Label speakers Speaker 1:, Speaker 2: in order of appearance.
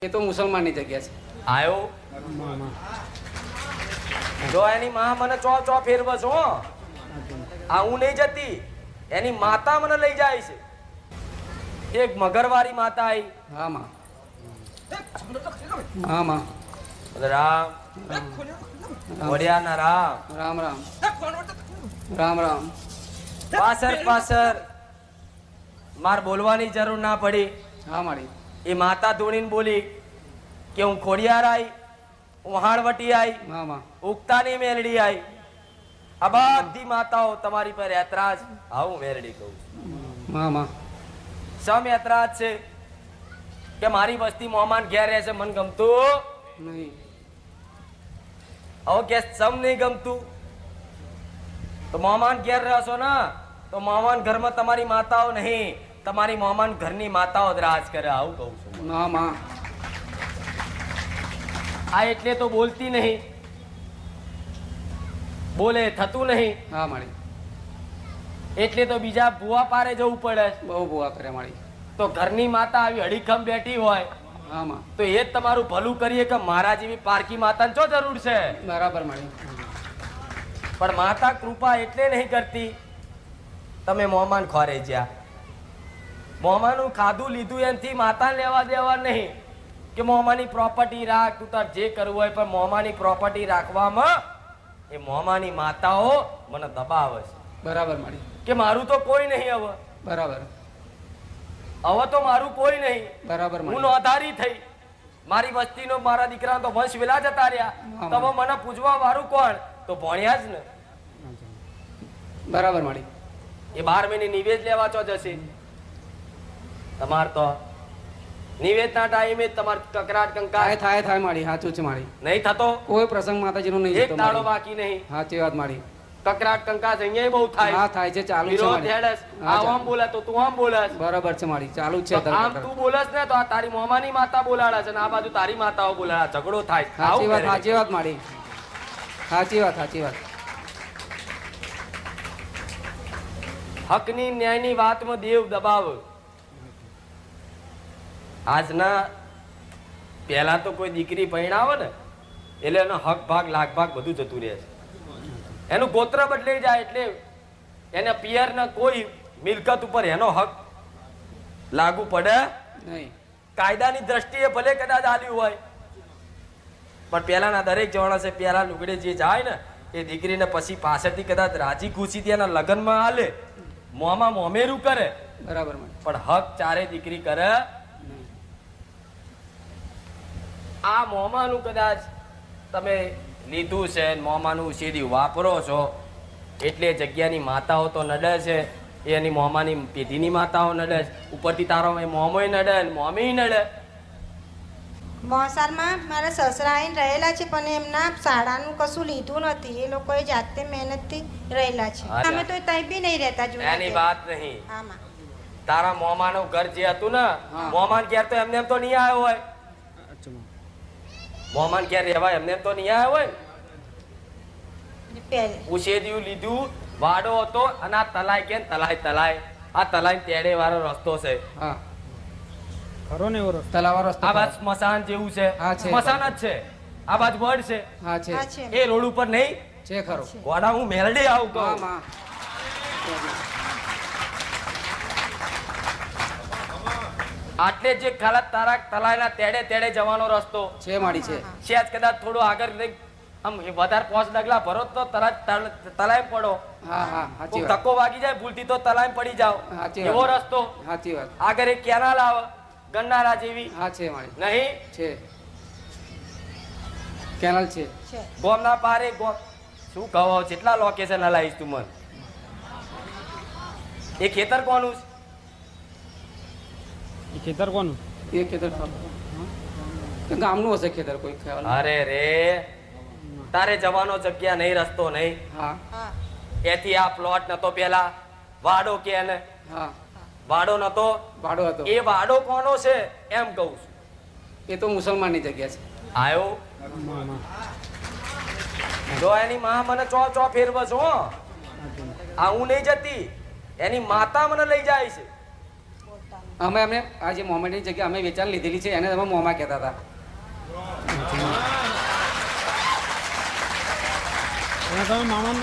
Speaker 1: એ તો મુસલમાનની જગ્યા છે.
Speaker 2: આયો જો એની માં મને ચો ચો ફેરવે છો. આ હું નહીં જતી, એની માતા મને લઈ જાય છે. એક મગરવારી માતા આવી.
Speaker 1: હા માં, હા માં.
Speaker 2: રામ વડિયાના રામ
Speaker 1: રામ રામ રામ રામ.
Speaker 2: પાછળ પાછળ માર બોલવાની જરૂર ના પડી.
Speaker 1: હા મારી
Speaker 2: એ માતા ધૂણીને બોલી કે હું ખોડિયાર આઈ, હું હાણવટી આઈ,
Speaker 1: હા માં.
Speaker 2: ઉગતાની મેલડી આઈ. આ બધી માતાઓ તમારી પર એતરાજ. આવું મેલડી કહું
Speaker 1: હા માં.
Speaker 2: સમ એતરાજ છે કે મારી વસ્તી મોમાન ઘેર રહે છે, મને ગમતું
Speaker 1: નહીં.
Speaker 2: હવે કે સમ નહીં ગમતું તો મોમાન ઘેર રહેશો ને તો મોમાન ઘરમાં તમારી માતાઓ નહીં, તમારી મોમાન ઘરની માતાઓ જ રાજ કરે. આવું કહું છું.
Speaker 1: હા માં.
Speaker 2: આ એટલે તો બોલતી નહીં, બોલે થતું નહીં,
Speaker 1: હા મારી.
Speaker 2: એટલે તો બીજા ભૂવા પારે જવું પડે.
Speaker 1: બહુ બુઆ કરે મારી.
Speaker 2: તો ઘરની માતા આવી અડીખમ બેઠી હોય
Speaker 1: હા માં.
Speaker 2: તો એ જ તમારું ભલું કરીએ કે મારા જેવી પારકી માતાને શું જરૂર છે.
Speaker 1: બરાબર મારી.
Speaker 2: પણ માતા કૃપા એટલે નહીં કરતી, તમે મોમાન ખોરે જ્યાં મોમાનું ખાધું લીધું એનાથી માતાને લેવા દેવા નહીં કે મોમાની પ્રોપર્ટી રાખ, તું તાર જે કરવું હોય, પણ મોમાની પ્રોપર્ટી રાખવામાં એ મોમાની માતાઓ મને દબાવે છે
Speaker 1: બરાબર મારી.
Speaker 2: કે મારું તો કોઈ નહીં. હવે
Speaker 1: બરાબર.
Speaker 2: હવે તો મારું કોઈ નહીં.
Speaker 1: બરાબર
Speaker 2: હું
Speaker 1: મારી.
Speaker 2: નોંધારી થઈ, મારી વસ્તીનો મારા દીકરાનો તો વંશ વેલા જતા રહ્યા.
Speaker 1: હા.
Speaker 2: તો હવે મને પૂછવા વાળું કોણ? તો ભણ્યા જ ને.
Speaker 1: બરાબર મારી.
Speaker 2: એ 12 મહિને નિવેદ લેવા ચો જશે. તમાર તો નિવેદના ટાઈમે તમાર કકરાટ
Speaker 1: થાય
Speaker 2: કંકાટ
Speaker 1: થાય થાય મારી. સાચું છે મારી.
Speaker 2: નહીં થતો.
Speaker 1: કોઈ પ્રસંગ માતાજીનો નહીં
Speaker 2: એક
Speaker 1: જતો
Speaker 2: દાડો
Speaker 1: મારી.
Speaker 2: બાકી નહીં.
Speaker 1: સાચી વાત મારી.
Speaker 2: કકરાટ કંકાટ અહીંયા બહુ થાય.
Speaker 1: હા થાય છે, ચાલુ છે
Speaker 2: વિરોધ
Speaker 1: મારી.
Speaker 2: હેડસ.
Speaker 1: હા,
Speaker 2: આ આમ બોલે તો તું આમ બોલસ.
Speaker 1: બરાબર છે મારી. ચાલુ જ છે
Speaker 2: તો આમ તું બોલસ ને તો આ તારી મોમાની માતા બોલાડા છે ને આ બાજુ તારી માતાઓ બોલાડા, ઝઘડો થાય.
Speaker 1: સાચી વાત.
Speaker 2: આવું
Speaker 1: સાચી વાત મારી. સાચી વાત. સાચી વાત.
Speaker 2: હકની ન્યાયની વાતમાં દેવ દબાવ. આજના પહેલા તો કોઈ દીકરી પરણાવે ને એટલે એનો હક ભાગ લાખ ભાગ બધું જતું રહે છે. એનું ગોત્ર બદલાઈ જાય એટલે એને પિયરના કોઈ મિલકત ઉપર એનો હક લાગુ પડે
Speaker 1: નહીં.
Speaker 2: કાયદાની દ્રષ્ટિએ ભલે કદાચ આલ્યું હોય, પણ પહેલાના દરેક જવાના છે પહેલા લુગડે જે જાય ને એ દીકરીને પછી પાછળથી કદાચ રાજી ખુશીથી એના લગ્નમાં આલે, મોંમાં મોમેરું કરે,
Speaker 1: બરાબર મારી.
Speaker 2: પણ હક ચારે દીકરી કરે. આ મોમાનું કદાચ તમે લીધું છે, મોમાનું સીધી વાપરો છો એટલે જગ્યાની માતાઓ તો નડે છે, એની મોમાની પેઢીની માતાઓ નડે છે, ઉપરથી તારો મોમોય નડે ને મોમી નડે.
Speaker 3: મોસારમાં મારા સસરા આવીને રહેલા છે પણ એમના શાળાનું કશું લીધું નથી. એ લોકોએ જાતે મહેનતથી રહેલા છે.
Speaker 2: અચ્છા.
Speaker 3: અમે તો ત્યાં બી નહીં રહેતા જોયા
Speaker 2: એની
Speaker 3: તે.
Speaker 2: વાત નહીં.
Speaker 3: આમાં
Speaker 2: તારા મોમાનું ઘર જે હતું ને,
Speaker 1: હા.
Speaker 2: મોમાન ઘેર તો એમને એમ તો નહીં આવ્યો હોય. મોમાન ઘેર રહેવાય એમને એમ તો નહીં આવ્યો હોય.
Speaker 3: પહેલે
Speaker 2: ઉછેદ્યું લીધું, વાડો હતો અને આ તલાય કે તલાય તલાય આ તલાય તેડે વાળો રસ્તો છે.
Speaker 1: હા.
Speaker 4: ખરો ને એવો રસ્તો.
Speaker 1: તલાવા રસ્તો.
Speaker 2: આ બાજુ સ્મશાન જેવું છે.
Speaker 1: હા, છે.
Speaker 2: સ્મશાન જ છે. આ બાજુ વડ છે.
Speaker 1: હા છે.
Speaker 3: આ છે.
Speaker 2: એ રોડ ઉપર નહીં.
Speaker 1: છે ખરો.
Speaker 2: ગોડા હું મેલડી આવું
Speaker 1: હા
Speaker 2: કહું.
Speaker 1: માં.
Speaker 2: આટલે જે ખાલા તારા તલાયના તેડે તેડે જવાનો રસ્તો
Speaker 1: છે મારી. છે.
Speaker 2: છે જ. કદાચ થોડો આગળ લઈ આમ વધારે 5 ડગલા ભરો તો તરત તલાય પડો.
Speaker 1: હા હા. સાચી
Speaker 2: કોઈ
Speaker 1: વાત.
Speaker 2: ધક્કો વાગી જાય ભૂલથી તો તલાય પડી જાઓ.
Speaker 1: સાચી
Speaker 2: એવો
Speaker 1: વાત.
Speaker 2: રસ્તો.
Speaker 1: સાચી વાત.
Speaker 2: આગળ એક કેનાલ આવે ગન્નારા જેવી.
Speaker 1: હા છે મારી.
Speaker 2: નહીં
Speaker 1: છે. કેનલ છે.
Speaker 3: છે.
Speaker 2: ગોમના પારે ગોમ શું કહો કેટલા લોકેશન હલાવીશ તું મન. એ ખેતર કોનું છે?
Speaker 4: એ ખેતર કોનું?
Speaker 1: એ ખેતર ગામનું હશે ખેતર, કોઈ ખ્યાલ નહીં.
Speaker 2: અરે રે તારે જવાનો જગ્યા નહીં, રસ્તો નહીં.
Speaker 1: હા
Speaker 3: હા
Speaker 2: એથી આ પ્લોટ નતો પેલા વાડો કે એને
Speaker 1: હા.
Speaker 2: વાડો નતો.
Speaker 1: ભાડો હતો.
Speaker 2: એ વાડો કોનો છે એમ કહું છું.
Speaker 1: એ તો મુસલમાનની જગ્યા છે.
Speaker 2: આયો
Speaker 4: માં, માં.
Speaker 2: જો એની માં મને ચો ચો ફેરવે છો. આ હું નહીં જતી, એની માતા મને લઈ જાય છે.
Speaker 1: અમે અમને આ જે મોમેન્ટની જગ્યા અમે વેચાણ લીધેલી છે એને તમે મોંમાં કહેતા હતા.
Speaker 4: અને તમે મામા